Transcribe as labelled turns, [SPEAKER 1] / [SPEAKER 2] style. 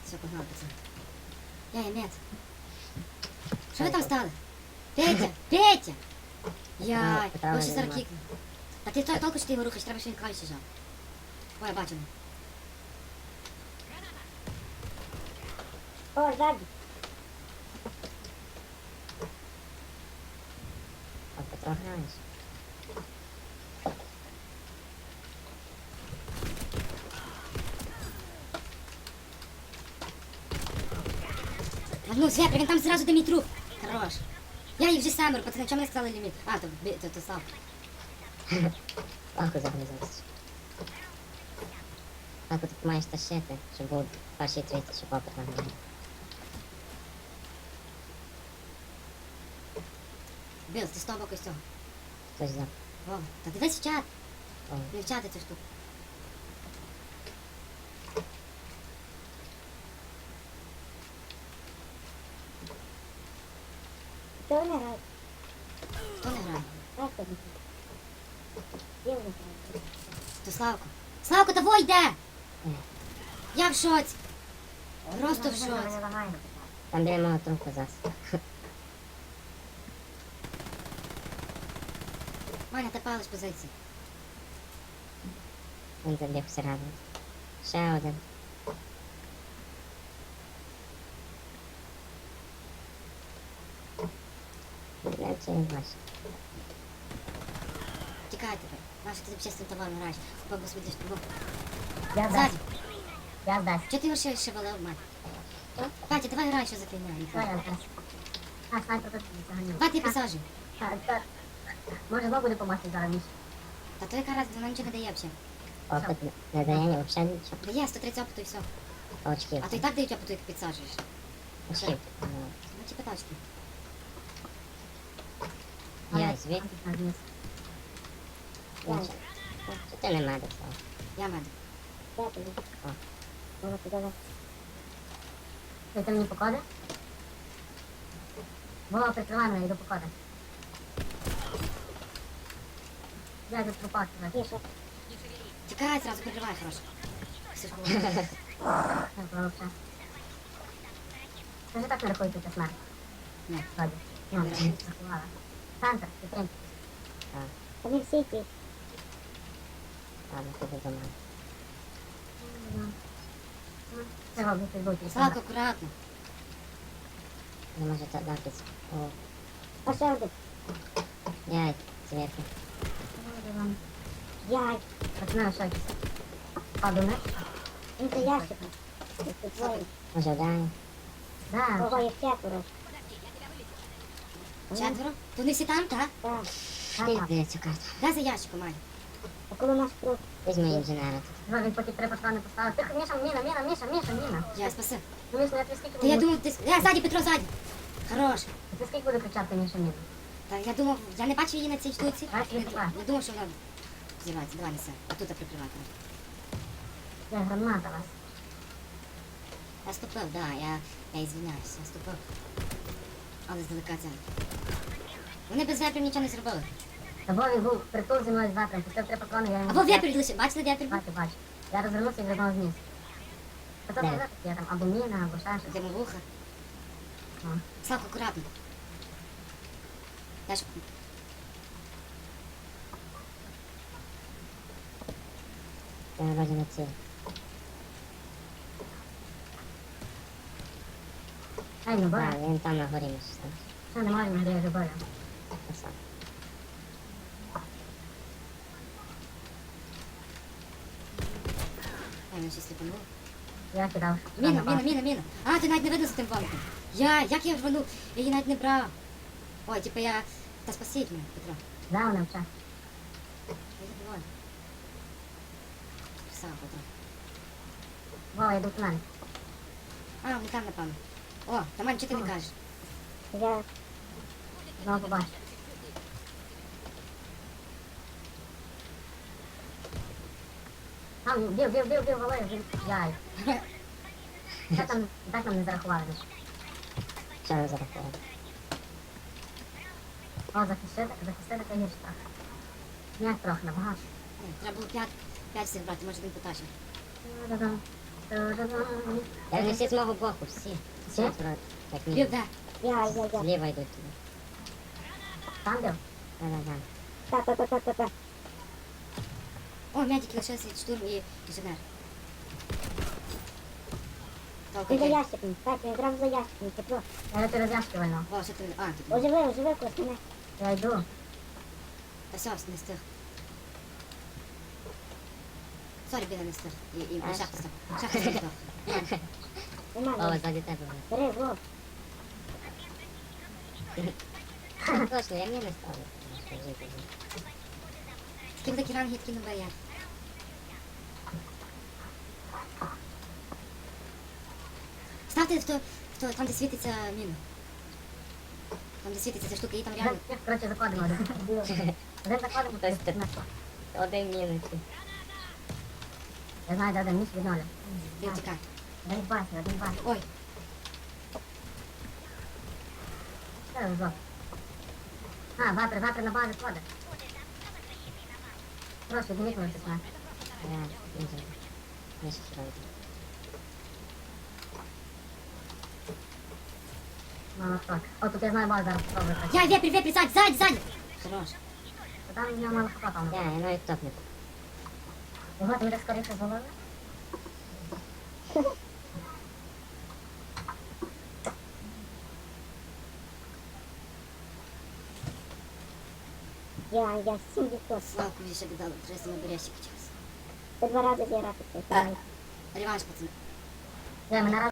[SPEAKER 1] Все, погнали, пацан. Я мед. Що ви там стали? Петя! Петя! Яй, я ще зараз кікну. Та ти толку, що ти його рухаєш, треба, що він краще жав. Ой, я бачу.
[SPEAKER 2] О, ззаді.
[SPEAKER 3] А Петро граєш?
[SPEAKER 1] А ну, Свеприк, він там зразу де мій труп. Хорош. Я їх вже семеро, пацани, чому не сказали ліміт? А, то сам.
[SPEAKER 3] Легко загрузився. Так от ти маєш тащити, щоб був перший третій, щоб опит нагнав.
[SPEAKER 1] Біл, ти з того боку з цього.
[SPEAKER 3] Хтось за.
[SPEAKER 1] О, та дивись в чат.
[SPEAKER 3] О,
[SPEAKER 1] Не в чати цю штуку.
[SPEAKER 2] Хто не грає?
[SPEAKER 1] Хто не грає?
[SPEAKER 2] Просто не грає. Є не грає.
[SPEAKER 1] То Славко. Славко, того йде!
[SPEAKER 3] е,
[SPEAKER 1] Я в шоці. Просто в
[SPEAKER 2] Ми
[SPEAKER 1] шоці.
[SPEAKER 2] лагаємо.
[SPEAKER 3] там біля мого трупу зас.
[SPEAKER 1] Маня, ти палиш позиції.
[SPEAKER 3] Він забіг всередину. Ще один. Не чи він бачить.
[SPEAKER 1] Тікай тепер. Маша, ти взагалі з цим товаром граєш. Бабу собі десь.
[SPEAKER 2] Я
[SPEAKER 1] Ззаді.
[SPEAKER 2] здасть. Я здасть.
[SPEAKER 1] Чого ти його ще валив, мать?
[SPEAKER 2] Що?
[SPEAKER 1] Катя, давай грай, що за фігня.
[SPEAKER 2] Що я здасть? А, снайпер тут заганив.
[SPEAKER 1] Давай ти пасажі.
[SPEAKER 2] Так. Може знову буде помасти зараз, Міш?
[SPEAKER 1] Та то яка раз, вона нічого не дає взагалі.
[SPEAKER 3] Опит не дає ні взагалі нічого.
[SPEAKER 1] Дає 130 опиту і все.
[SPEAKER 3] Очків.
[SPEAKER 1] А то і так дають опиту, як підсаджуєш.
[SPEAKER 3] Очків.
[SPEAKER 1] Ну, типа тачки.
[SPEAKER 3] Я звідки?
[SPEAKER 2] Я.
[SPEAKER 3] Чи ти не медик став?
[SPEAKER 1] Я медик.
[SPEAKER 2] Я тобі.
[SPEAKER 3] О.
[SPEAKER 2] Може подавай. Ти мені покоди? Вова, прикривай мене, йду покоди. Я тут трупак тебе. Тише.
[SPEAKER 1] Тікай, зразу прикривай, хорошо. Ксюшку.
[SPEAKER 2] Так, вообще. Ти ж так не рахуєте це смерть?
[SPEAKER 1] Ні.
[SPEAKER 2] Вроді. Ну, не рахувала. Центр, підтримки.
[SPEAKER 3] Так,
[SPEAKER 2] Вони всі ті.
[SPEAKER 3] ладно, піду до мене.
[SPEAKER 2] Це робить підбуті.
[SPEAKER 1] Славко, акуратно.
[SPEAKER 3] Не може так дати. О,
[SPEAKER 2] А ще один.
[SPEAKER 3] я зверху.
[SPEAKER 2] Яй.
[SPEAKER 1] Пацани, що якісь?
[SPEAKER 2] Подумаєш? Він це ящик. Це двоє.
[SPEAKER 3] Може вдарю?
[SPEAKER 2] Да. Ого, їх четверо.
[SPEAKER 1] Четверо? То не всі там, так?
[SPEAKER 2] Так.
[SPEAKER 3] Ти здається карта.
[SPEAKER 1] Дай за ящиком, Маня.
[SPEAKER 2] А коли наш круг?
[SPEAKER 3] Візьми інженера тут.
[SPEAKER 2] Ну, він поки три патрони поставив. Тихо, Міша, Міна.
[SPEAKER 1] Я спаси.
[SPEAKER 2] Ну, Міш, ну я тобі скільки
[SPEAKER 1] Та я
[SPEAKER 2] буду...
[SPEAKER 1] думав, ти... Ззаді, Петро, ззаді. Хорош.
[SPEAKER 2] Ти скільки буду кричати, Міша, Міна?
[SPEAKER 1] Та я думав, я не бачив її на цій штуці.
[SPEAKER 2] Так, я бачу.
[SPEAKER 1] Не думав, що вона зірвається. Давай, неси. А тут прикривати.
[SPEAKER 2] Це граната вас.
[SPEAKER 1] Я ступив, да, я ізвиняюся, я ступив. Але здалека це. Вони без вепрів нічого не зробили.
[SPEAKER 2] Та Вові був притул зі мною з ватром, пустив три патрони, я йому...
[SPEAKER 1] Або вепрь лише, бачили вепрь?
[SPEAKER 2] Бачу. Я розвернувся і звернув вниз. Та то не знаю, я там або міна, або ще щось.
[SPEAKER 1] Йдемо вуха.
[SPEAKER 2] О.
[SPEAKER 1] Славко, акуратно. Я ж...
[SPEAKER 3] Я вроді на ціль.
[SPEAKER 2] Ей, ну
[SPEAKER 3] Так,
[SPEAKER 2] бора.
[SPEAKER 3] він там на горі між там.
[SPEAKER 2] Що не можемо, де я вже борю.
[SPEAKER 3] Краса.
[SPEAKER 1] Ай, він ще сліпанув.
[SPEAKER 2] Я кидав.
[SPEAKER 1] Міна. А, ти навіть не видно за тим валиком. Як я рванув? Я її навіть не брав. Ой, типу я... Та спасіть мене, Петро.
[SPEAKER 2] Да, вона вча.
[SPEAKER 1] Я забуваю. Красава, Петро.
[SPEAKER 2] Вова, я йду в мене.
[SPEAKER 1] А, не там, напевно. О, Тамань, чого ти не кажеш?
[SPEAKER 2] Я знову побачу. Там, бів, Валерій, він... Яй. Що там, так нам не зарахували лише.
[SPEAKER 3] Що не зарахував?
[SPEAKER 2] О, захистити це гірше трохи. Ніяк трохи, набагато.
[SPEAKER 1] Ні, треба було 5 всіх брати, може він потащив.
[SPEAKER 2] Да-да.
[SPEAKER 3] Та вони всі з мого боку, всі.
[SPEAKER 2] Всі?
[SPEAKER 3] Вроде, так
[SPEAKER 1] Бив,
[SPEAKER 3] ні.
[SPEAKER 1] де?
[SPEAKER 4] Я.
[SPEAKER 3] Зліва йдуть туди.
[SPEAKER 2] Там бив?
[SPEAKER 3] Да-да-да.
[SPEAKER 4] Та.
[SPEAKER 1] О, медики лишилися від штурм і інженер. Толку
[SPEAKER 4] Він за
[SPEAKER 1] є.
[SPEAKER 4] ящиком. Так, він одразу за ящиком. Тепло.
[SPEAKER 2] Я через ящики вильнув.
[SPEAKER 1] О, що ти... А, тут.
[SPEAKER 4] Оживи, Кость, мене.
[SPEAKER 2] Я йду.
[SPEAKER 1] Та все, не встиг. Сорі, біля не встиг. І
[SPEAKER 3] А,
[SPEAKER 1] шахта став. Шахта став.
[SPEAKER 3] О,
[SPEAKER 4] Нормально.
[SPEAKER 3] ззаді тебе.
[SPEAKER 4] Бери, Вов.
[SPEAKER 3] Точно, я мені не ставлю.
[SPEAKER 1] Таким такі ранги, такі не боять. Ставте там, де світиться міна. Там, де світиться ця штука, і там реально...
[SPEAKER 2] Коротше, заходимо один. Один заходимо,
[SPEAKER 3] Тобто ти-
[SPEAKER 2] на що?
[SPEAKER 3] Один мінусі.
[SPEAKER 2] Я знаю, де один ніч від нуля.
[SPEAKER 1] Він тікає.
[SPEAKER 2] Один бачу, один бачу.
[SPEAKER 1] Ой,
[SPEAKER 2] Це вже. А, завтра на базі ходить. Прошу, дивіться на щось.
[SPEAKER 3] Да, він же. Не щось робить.
[SPEAKER 2] Ну, так. О, тут я знаю базу зараз спробую.
[SPEAKER 1] я, вепрь, сзади! Хорош.
[SPEAKER 2] Там в нього мало хапа.
[SPEAKER 3] Да, я навіть топнув.
[SPEAKER 2] Його ти так скоріше зголовив?
[SPEAKER 4] Я 7%.
[SPEAKER 1] Славку більше додали, треба з ним бережчик час.
[SPEAKER 4] Ти 2 рази зіграти.
[SPEAKER 1] Реванш, пацани.
[SPEAKER 2] Я мене раз